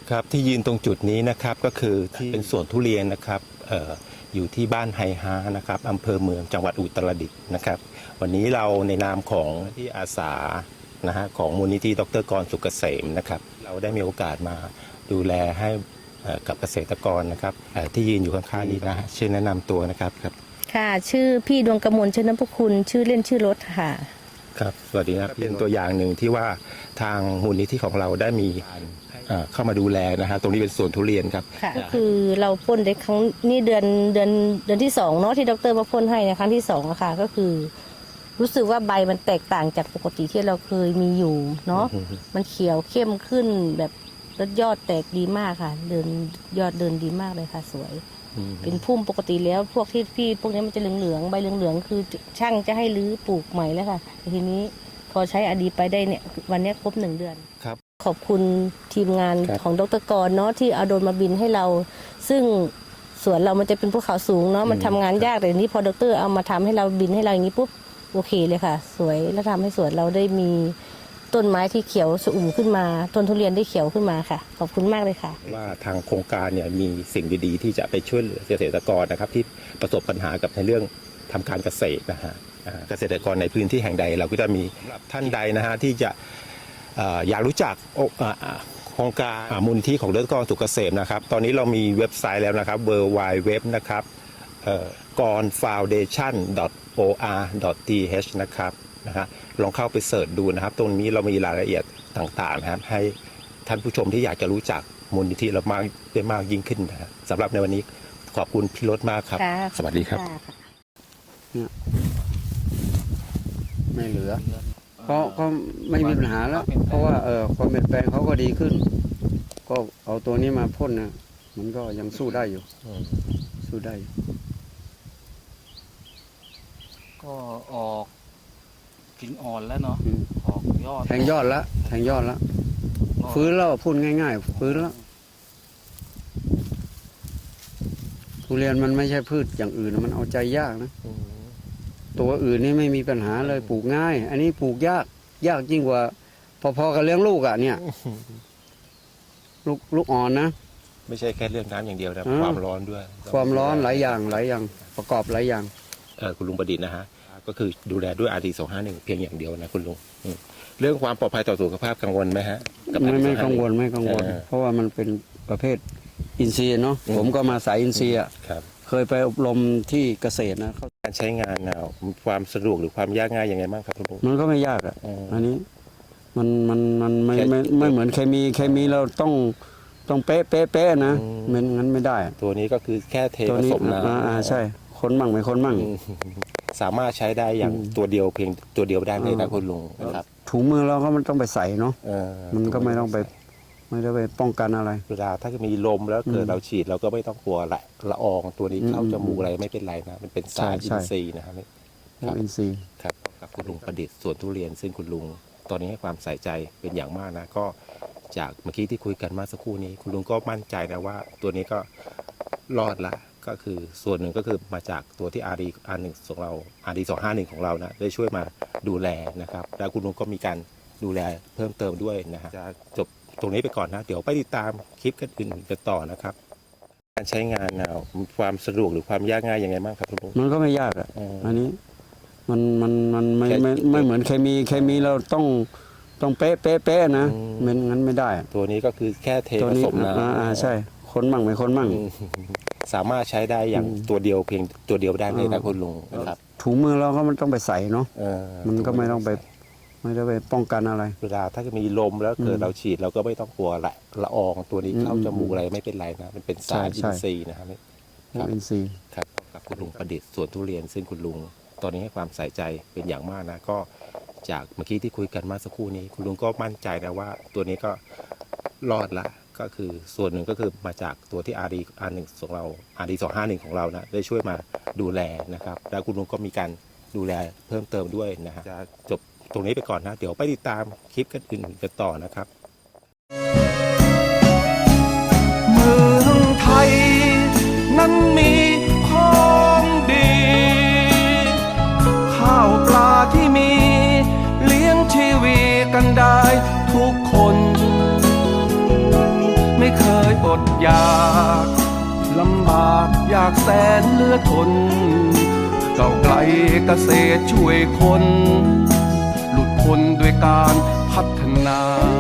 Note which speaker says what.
Speaker 1: ครับที่ยืนตรงจุดนี้นะครับก็คือที่เป็นสวนทุเรียนนะครับอยู่ที่บ้านไฮฮานะครับอำเภอเมืองจังหวัดอุตรดิตถ์นะครับวันนี้เราในนามของที่อาสานะฮะของมูลนิธิดร.กรสุกเกษมนะครับเราได้มีโอกาสมาดูแลให้กับเกษตรกรนะครับที่ยืนอยู่ข้างๆนี้นะชื่อแนะนำตัวนะครับครับ
Speaker 2: ค่ะชื่อพี่ดวงกมลชื่อน้ำพคุณชื่อเล่นชื่อรถค่ะ
Speaker 1: ครับสวัสดีครับเป็นตัวอย่างหนึ่งที่ว่าทางมูลนิธิของเราได้มีเข้ามาดูแลนะฮะตรงนี้เป็นสวนทุเรียนครับ
Speaker 2: ก็คือเราพ่นได้ครั้งนี้เดือนที่2เนาะที่ดรมาพ่นให้ในครั้งที่2อะค่ะก็คือรู้สึกว่าใบมันแตกต่างจากปกติที่เราเคยมีอยู่เนาะมันเขียวเข้มขึ้นแบบยอดแตกดีมากค่ะยอดเดินดีมากเลยค่ะสวยเป็นพุ่มปกติแล้วพวกที่พวกนี้มันจะเหลืองๆใบเหลืองๆคือช่างจะให้รื้อปลูกใหม่แล้วค่ะทีนี้พอใช้อดีไปได้เนี่ยวันนี้ครบ1 เดือน
Speaker 1: ครับ
Speaker 2: ขอบคุณทีมงานของดร.กรเนาะที่เอาโดรนมาบินให้เราซึ่งสวนเรามันจะเป็นภูเขาสูงเนาะมันทำงานยากแต่นี้พอดร.เอามาทำให้เราบินให้เราอย่างนี้ปุ๊บโอเคเลยค่ะสวยแล้วทำให้สวนเราได้มีต้นไม้ที่เขียวสุ่มขึ้นมาต้นทุเรียนได้เขียวขึ้นมาค่ะขอบคุณมากเลยค่ะ
Speaker 1: ว่าทางโครงการเนี่ยมีสิ่งดีๆที่จะไปช่วยเหลือเกษตรกรนะครับที่ประสบปัญหากับในเรื่องทำการเกษตรนะฮะเกษตรกรในพื้นที่แห่งใดเราก็จะมีท่านใดนะฮะที่จะอยากรู้จักโครงการมูลนิธิของดร.กรสุกเกษมนะครับตอนนี้เรามีเว็บไซต์แล้วนะครับ www นะครับgornfoundation.or.th นะครับนะฮะลองเข้าไปเสิร์ชดูนะครับตรงนี้เรามีรายละเอียดต่างๆนะครับให้ท่านผู้ชมที่อยากจะรู้จักมูลนิธิเรามากได้มากยิ่งขึ้นนะสำหรับในวันนี้ขอบคุณพี่รถมากครับสวัสดีครับ
Speaker 3: ไม่เหลือก็ไม่มีปัญหาแล้วเพราะว่าความเปลี่ยนแปลงเขาก็ดีขึ้นก็เอาตัวนี้มาพ่นนะมันก็ยังสู้ได้อยู่สู้ได้
Speaker 4: ก็ออกกิ่งอ่อนแล้วเนาะออกยอด
Speaker 3: แทงยอดแล้วฟื้นแล้วพูดง่ายๆฟื้นแล้วทุเรียนมันไม่ใช่พืชอย่างอื่นมันเอาใจยากนะตัวอื่นนี่ไม่มีปัญหาเลยปลูกง่ายอันนี้ปลูกยากยิ่งกว่าพอๆกับเลี้ยงลูกอ่ะเนี่ยลูกอ่อนนะ
Speaker 1: ไม่ใช่แค่เรื่องน้ำอย่างเดียวนะความร้อนด้วย
Speaker 3: ความร้อนหลายอย่างประกอบหลายอย่าง
Speaker 1: คุณลุงประดิษฐ์นะฮะก็คือดูแลด้วย RD251 เพียงอย่างเดียวนะคุณลุงเรื่องความปลอดภัยต่อสุขภาพกังวลไหมฮะ
Speaker 3: ไม่กังวลเพราะว่ามันเป็นประเภทอินทรีย์เนาะผมก็มาสายอินทรีย์อ่ะเคยไปอบรมที่เกษตรนะ
Speaker 1: การใช้งานความสะดวกหรือความยากง่ายยังไงบ้างครับคุณลุง
Speaker 3: มันก็ไม่ยากอ่ะอันนี้มันไม่เหมือนเคมีเราต้องเป๊ะนะมันงั้นไม่ได้
Speaker 1: ตัวนี้ก็คือแค่เทผสมน้
Speaker 3: ำใช่คนมั่งไม่คนมั่ง
Speaker 1: สามารถใช้ได้อย่างตัวเดียวเพียงตัวเดียวได้เลยนะคุณลุงนะครับ
Speaker 3: ถุงมือเราก็มันต้องไปใส่เนาะมันก็ไม่ต้องไปป้องกันอะไร
Speaker 1: เวลาถ้ามีลมแล้วเกิดเราฉีดเราก็ไม่ต้องกลัวละอองตัวนี้เข้าจมูกอะไรไม่เป็นไรนะมันเป็นสารอินทรีย์นะครับ
Speaker 3: อินทรีย์
Speaker 1: ครับกับคุณลุงประดิษฐ์สวนทุเรียนซึ่งคุณลุงตอนนี้ให้ความใส่ใจเป็นอย่างมากนะก็จากเมื่อกี้ที่คุยกันมาสักครู่นี้คุณลุงก็มั่นใจนะว่าตัวนี้ก็รอดละก็คือส่วนหนึ่งก็คือมาจากตัวที่ RD1 ของเรา RD251 ของเรานะได้ช่วยมาดูแลนะครับแล้วคุณลุงก็มีการดูแลเพิ่มเติมด้วยนะฮะจะจบตรงนี้ไปก่อนนะเดี๋ยวไปติดตามคลิปกันอื่นกันต่อนะครับการใช้งานความสะดวกหรือความยากง่ายยังไงบ้างครับคุณลุง
Speaker 3: มันก็ไม่ยากอ่ะอันนี้มันไม่เหมือนเคมีเราต้องเป๊ะนะมันงั้นไม่ได้
Speaker 1: ตัวนี้ก็คือแค่เทผสมน้
Speaker 3: ำใช่คนมั่งไม่คนมั่ง
Speaker 1: สามารถใช้ได้อย่างตัวเดียวเพียงตัวเดียวได้เลยนะคุณลุงนะครับ
Speaker 3: ถุงมือเราก็มันต้องไปใส่เนาะมันก็ไม่ต้องไปป้องกันอะไร
Speaker 1: เวลาถ้ามีลมแล้วเกิดเราฉีดเราก็ไม่ต้องกลัวละอองตัวนี้เข้าจมูกอะไรไม่เป็นไรนะมันเป็นสารอินทรีย์นะครับ
Speaker 3: อินทรีย์
Speaker 1: ครับกับคุณลุงประดิษฐ์สวนทุเรียนซึ่งคุณลุงตอนนี้ให้ความใส่ใจเป็นอย่างมากนะก็จากเมื่อกี้ที่คุยกันมาสักครู่นี้คุณลุงก็มั่นใจนะว่าตัวนี้ก็รอดละก็คือส่วนหนึ่งก็คือมาจากตัวที่ RD1 ของเรา RD251 ของเรานะได้ช่วยมาดูแลนะครับแล้วคุณลุงก็มีการดูแลเพิ่มเติมด้วยนะฮะจะจบตรงนี้ไปก่อนนะเดี๋ยวไปติดตามคลิปกันอื่นกันต่อนะครับ
Speaker 5: เมืองไทยนั้นมีของดีข้าวปลาที่มีเลี้ยงชีวีกันได้ทุกคนไม่เคอดอยากลำบากอยากแสนเหลือทนก้าวไกลเกษตรช่วยคนหลุดพ้นด้วยการพัฒนา